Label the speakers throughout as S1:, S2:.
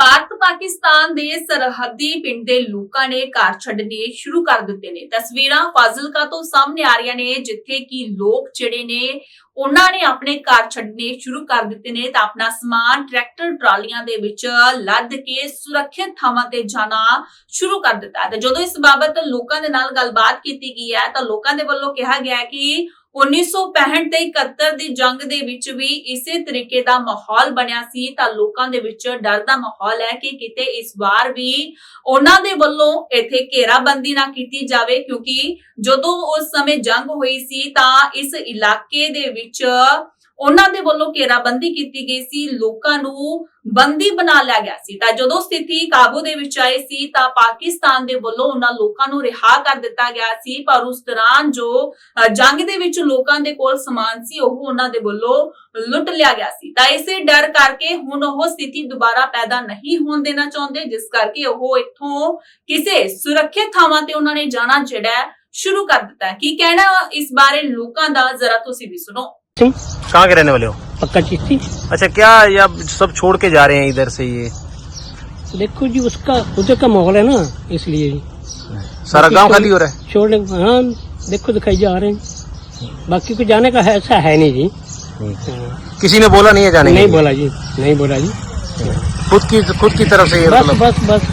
S1: ਭਾਰਤ ਪਾਕਿਸਤਾਨ ਦੇ ਸਰਹੱਦੀ ਪਿੰਡ ਦੇ ਲੋਕਾਂ ਨੇ ਘਰ ਛੱਡਣੇ ਸ਼ੁਰੂ ਕਰ ਦਿੱਤੇ ਨੇ। ਤਸਵੀਰਾਂ ਫਾਜ਼ਿਲਕਾ ਤੋਂ ਸਾਹਮਣੇ ਆ ਰਹੀਆਂ ਨੇ, ਜਿੱਥੇ ਕਿ ਲੋਕ ਜਿਹੜੇ ਨੇ ਉਹਨਾਂ ਨੇ ਆਪਣੇ ਘਰ ਛੱਡਣੇ ਸ਼ੁਰੂ ਕਰ ਦਿੱਤੇ ਨੇ ਤਾਂ ਆਪਣਾ ਸਮਾਨ ਟਰੈਕਟਰ ਟਰਾਲੀਆਂ ਦੇ ਵਿੱਚ ਲੱਦ ਕੇ ਸੁਰੱਖਿਅਤ ਥਾਵਾਂ ਤੇ ਜਾਣਾ ਸ਼ੁਰੂ ਕਰ ਦਿੱਤਾ ਹੈ। ਤੇ ਜਦੋਂ ਇਸ ਬਾਬਤ ਲੋਕਾਂ ਦੇ ਨਾਲ ਗੱਲਬਾਤ ਕੀਤੀ ਗਈ ਹੈ ਤਾਂ ਲੋਕਾਂ ਦੇ ਵੱਲੋਂ ਕਿਹਾ ਗਿਆ ਹੈ ਕਿ 1965 ਤੇ 71 ਦੀ ਜੰਗ ਦੇ ਵਿੱਚ ਵੀ ਇਸੇ ਤਰੀਕੇ ਦਾ ਮਾਹੌਲ ਬਣਿਆ ਸੀ ਤਾਂ ਲੋਕਾਂ ਦੇ ਵਿੱਚ ਡਰ ਦਾ ਮਾਹੌਲ ਹੈ ਕਿ ਕਿਤੇ ਇਸ ਵਾਰ ਵੀ ਉਹਨਾਂ ਦੇ ਵੱਲੋਂ ਇੱਥੇ ਘੇਰਾਬੰਦੀ ਨਾ ਕੀਤੀ ਜਾਵੇ, ਕਿਉਂਕਿ ਜਦੋਂ ਉਸ ਸਮੇਂ ਜੰਗ ਹੋਈ ਸੀ ਤਾਂ ਇਸ ਇਲਾਕੇ ਦੇ ਵਿੱਚ ਉਹਨਾਂ ਦੇ ਵੱਲੋਂ ਘੇਰਾਬੰਦੀ ਕੀਤੀ ਗਈ ਸੀ, ਲੋਕਾਂ ਨੂੰ ਬੰਦੀ ਬਣਾ ਲਿਆ ਗਿਆ ਸੀ। ਤਾਂ ਜਦੋਂ ਸਥਿਤੀ ਕਾਬੂ ਦੇ ਵਿੱਚ ਆਈ ਸੀ ਤਾਂ ਪਾਕਿਸਤਾਨ ਦੇ ਵੱਲੋਂ ਉਹਨਾਂ ਲੋਕਾਂ ਨੂੰ ਰਿਹਾ ਕਰ ਦਿੱਤਾ ਗਿਆ ਸੀ, ਪਰ ਉਸ ਦੌਰਾਨ ਜੋ ਜੰਗ ਦੇ ਵਿੱਚ ਲੋਕਾਂ ਦੇ ਕੋਲ ਸਮਾਨ ਸੀ ਉਹ ਉਹਨਾਂ ਦੇ ਵੱਲੋਂ ਲੁੱਟ ਲਿਆ ਗਿਆ ਸੀ। ਤਾਂ ਇਸੇ ਡਰ ਕਰਕੇ ਹੁਣ ਉਹ ਸਥਿਤੀ ਦੁਬਾਰਾ ਪੈਦਾ ਨਹੀਂ ਹੋਣ ਦੇਣਾ ਚਾਹੁੰਦੇ, ਜਿਸ ਕਰਕੇ ਉਹ ਇੱਥੋਂ ਕਿਸੇ ਸੁਰੱਖਿਅਤ ਥਾਵਾਂ ਤੇ ਉਹਨਾਂ ਨੇ ਜਾਣਾ ਜਿਹੜਾ ਸ਼ੁਰੂ ਕਰ ਦਿੱਤਾ है। ਕੀ ਕਹਿਣਾ ਇਸ ਬਾਰੇ ਲੋਕਾਂ ਦਾ जरा ਤੁਸੀਂ भी सुनो।
S2: कहाँ के रहने वाले हो?
S3: पक्का चिश्ती।
S2: अच्छा, क्या या सब छोड़ के जा रहे हैं इधर से? ये
S3: देखो जी, उसका उधर का माहौल है ना, इसलिए जी
S2: सारा गांव खाली हो रहा है।
S3: छोड़ने, हाँ देखो दिखाई जा रहे हैं, बाकी को जाने का है ऐसा है नहीं जी। हाँ।
S2: किसी ने बोला नहीं है जाने के
S3: नहीं
S2: लिए?
S3: बोला जी, नहीं बोला जी।
S2: खुद की तरफ से ये
S3: बस
S2: मतलब
S3: बस बस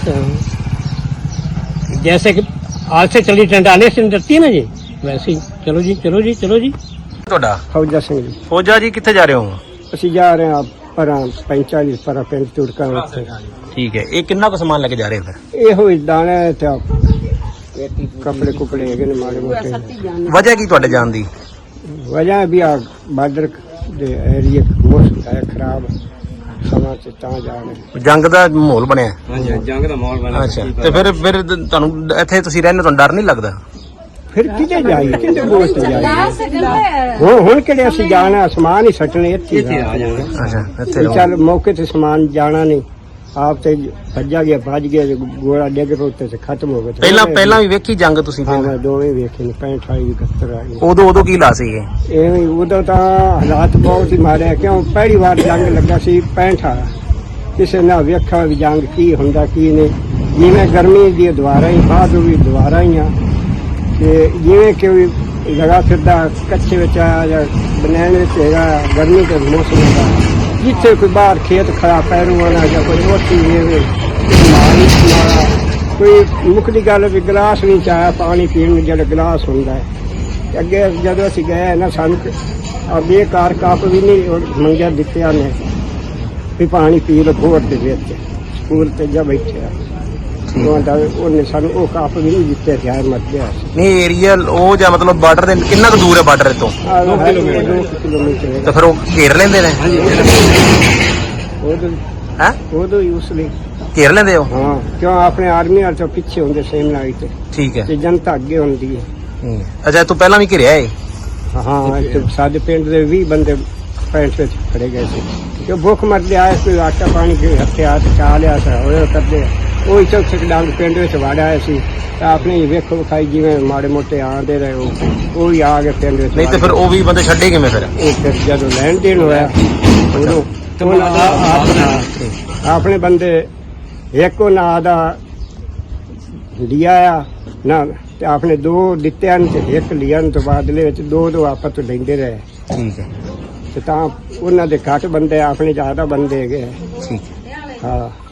S3: जैसे कि आज से चली ट्रेंड आने से डरती है ना जी, वैसे ही चलो जी चलो जी चलो जी।
S2: ਤੁਹਾਡਾ
S4: फौजा सिंह जी,
S2: फौजा जी कितने जा रहे हो?
S4: ਅਸੀਂ ਜਾ ਰਹੇ ਹਾਂ ਪਰ 45 ਪਰ ਪਿੰਡ ਤੁਰਕਾਂ ਉੱਤੇ।
S2: ठीक है, ये कितना को सामान लेके जा रहे हैं फिर?
S4: ਇਹੋ ਹੀ ਦਾਣੇ ਤੇ ਕੱਪੜੇ ਕੁਪੜੇ ਹੈਗੇ ਨੇ ਮਾੜੇ ਮੋਟੇ।
S2: वजह की ਤੁਹਾਡੇ ਜਾਣ ਦੀ?
S4: ਵਜ੍ਹਾ ਵੀ ਆ ਬਾਰਡਰ ਦੇ ਏਰੀਆ ਮੌਸਮ ਹੈ ਖਰਾਬ, ਸਮਾਂ ਤੇ ਤਾਂ ਜਾ ਰਹੇ।
S2: ਜੰਗ ਦਾ ਮਾਹੌਲ ਬਣਿਆ।
S4: ਹਾਂਜੀ, ਜੰਗ ਦਾ ਮਾਹੌਲ ਬਣਿਆ।
S2: ਅੱਛਾ, ਤੇ ਫਿਰ ਤੁਹਾਨੂੰ ਇੱਥੇ ਤੁਸੀਂ ਰਹਿੰਦੇ, ਤੁਹਾਨੂੰ ਡਰ ਨਹੀਂ ਲੱਗਦਾ?
S4: ਫਿਰ ਕਿਤੇ ਜਾਈਏ, ਕਿਤੇ ਦੋਸਤ ਜਾਈਏ। ਹੁਣ ਕਿਹੜੇ ਅਸੀਂ ਜਾਣਾ, ਸਮਾਨ ਹੀ ਸੱਟਣੇ ਇੱਥੇ ਆ ਜਾਣਾ।
S2: ਅੱਛਾ, ਇੱਥੇ
S4: ਵੀ
S2: ਰਹੋ।
S4: ਚੱਲ ਮੌਕੇ ਤੇ ਸਮਾਨ ਜਾਣਾ ਨਹੀਂ, ਆਪ ਤੇ ਭੱਜਾ ਗਿਆ, ਭੱਜ ਗਿਆ, ਗੋਲਾ ਡਿੱਗ ਪਿਆ ਉੱਤੇ ਤੇ ਖਤਮ ਹੋ ਗਿਆ।
S2: ਪਹਿਲਾਂ ਵੀ ਵੇਖੀ ਜੰਗ ਤੁਸੀਂ?
S4: ਹਾਂ, ਮੈਂ ਦੋਵੇਂ ਵੇਖੇ ਨੇ, 65 71 ਆ ਗਏ।
S2: ਉਦੋਂ ਕੀ ਲਾ ਸੀ ਇਹ?
S4: ਐਵੇਂ ਉਦੋਂ ਤਾਂ ਹਾਲਾਤ ਬਹੁਤ ਹੀ ਮਾੜੇ, ਕਿਉਂ ਪਹਿਲੀ ਵਾਰ ਜੰਗ ਲੱਗਾ ਸੀ 65 ਕਿਸੇ ਨੇ ਵੇਖਿਆ ਵੀ ਜੰਗ ਕੀ ਹੁੰਦਾ ਕੀ ਨਹੀਂ। ਜਿਵੇਂ ਗਰਮੀ ਦੀ ਦੁਆਰਾ ਹੀ, ਬਾਅਦ ਵੀ ਦੁਆਰਾ ਹੀ ਆ, ਤੇ ਜਿਵੇਂ ਕਿ ਲਗਾ ਫਿਰਦਾ ਕੱਚੇ ਵਿੱਚ ਆ ਜਾਂ ਬਨੈਣ ਵਿੱਚ ਹੈਗਾ, ਗਰਮੀ ਦੇ ਮੌਸਮ ਦਾ ਜਿੱਥੇ ਕੋਈ ਬਾਹਰ ਖੇਤ ਖੜਾ ਪੈਰੂ ਵਾਲਾ ਜਾਂ ਕੋਈ ਰੋਟੀ ਹੋਵੇ, ਕੋਈ ਮੁੱਖ ਦੀ ਗੱਲ ਵੀ ਗਲਾਸ ਨਹੀਂ ਚਾਹਿਆ ਪਾਣੀ ਪੀਣ ਨੂੰ, ਜਿਹੜਾ ਗਲਾਸ ਹੁੰਦਾ ਹੈ। ਅੱਗੇ ਜਦੋਂ ਅਸੀਂ ਗਏ ਨਾ, ਸਾਨੂੰ ਬੇਕਾਰ ਕੱਪ ਵੀ ਨਹੀਂ ਮੰਗਿਆ ਦਿੱਤਿਆ ਨੇ ਵੀ ਪਾਣੀ ਪੀ ਲਓ ਘੋੜ ਦੇ ਵਿੱਚ, ਸਕੂਲ ਤੇ ਜਾ ਬੈਠਿਆ ਉਹਨੇ ਸਾਨੂੰ ਉਹ ਕੱਪ ਵੀ ਨਹੀਂ ਦਿੱਤੇ, ਧਿਆਨ ਮਤ ਗਿਆ।
S2: ਨਹੀਂ, ਏਰੀਆ ਉਹ ਜਾਂ ਮਤਲਬ ਬਾਰਡਰ ਦੇ ਕਿੰਨਾ ਕੁ ਦੂਰ ਹੈ ਬਾਰਡਰ ਤੋਂ?
S4: 2 ਕਿਲੋਮੀਟਰ।
S2: ਤਾਂ ਫਿਰ ਉਹ ਘੇਰ ਲੈਂਦੇ ਨੇ? ਹੈ
S4: ਉਦੋਂ ਹੀ ਉਸ ਲਈ
S2: ਘੇਰ ਲੈਂਦੇ ਹੋ?
S4: ਹਾਂ, ਕਿਉਂ ਆਪਣੇ ਆਰਮੀ ਵਾਲੇ ਤੋਂ ਪਿੱਛੇ ਹੁੰਦੇ ਸੇਮ ਨਾਈ ਤੇ,
S2: ਠੀਕ ਹੈ।
S4: ਤੇ ਜਨਤਾ ਅੱਗੇ ਹੁੰਦੀ ਹੈ।
S2: ਅੱਛਾ, ਤੂੰ ਪਹਿਲਾਂ ਵੀ ਘਿਰਿਆ ਏ?
S4: ਹਾਂ, ਤੇ ਸਾਡੇ ਪਿੰਡ ਦੇ 20 ਬੰਦੇ 65 ਵਿੱਚ ਖੜੇ ਗਏ ਸੀ, ਕਿਉਂ ਭੁੱਖ ਮਰਦੇ ਆਏ, ਕੋਈ ਆਟਾ ਪਾਣੀ ਕੇ ਹਥਿਆਰ ਚਾ ਲਿਆ ਸੀ, ਹੋਏ ਕਰਦੇ ਉਹ ਚੌਥੇ ਡਾਂਗ ਪਿੰਡ ਵਿੱਚ ਵੜ ਆਏ ਸੀ। ਤਾਂ ਆਪਣੇ ਵੇਖੋ ਵਿਖਾਈ ਜਿਵੇਂ ਮਾੜੇ ਮੋਟੇ ਆਉਂਦੇ ਰਹੇ, ਉਹ ਵੀ ਆ ਗਏ ਪਿੰਡ ਵਿੱਚ।
S2: ਨਹੀਂ ਤੇ ਫਿਰ ਉਹ ਵੀ ਬੰਦੇ ਛੱਡੇ ਕਿਵੇਂ ਫਿਰ?
S4: ਉਹ ਫਿਰ ਜਦੋਂ ਲੈਣ ਦੇਣ ਹੋਇਆ ਉਦੋਂ ਆਪਣੇ ਬੰਦੇ ਇੱਕ ਉਹ ਨਾਂ ਦਾ ਲਿਆ ਆ ਨਾ, ਤੇ ਆਪਣੇ 2 ਦਿੱਤੇ ਹਨ ਤੇ ਇੱਕ ਲਿਆਣ ਤੋਂ ਬਾਅਦ ਵਿੱਚ 2 ਆਪਸ ਤੋਂ ਲੈਂਦੇ ਰਹੇ।
S2: ਠੀਕ ਹੈ,
S4: ਤੇ ਤਾਂ ਉਹਨਾਂ ਦੇ ਘੱਟ ਬੰਦੇ, ਆਪਣੇ ਜ਼ਿਆਦਾ ਬੰਦੇ ਹੈਗੇ।
S2: ਠੀਕ ਹੈ।
S4: ਹਾਂ।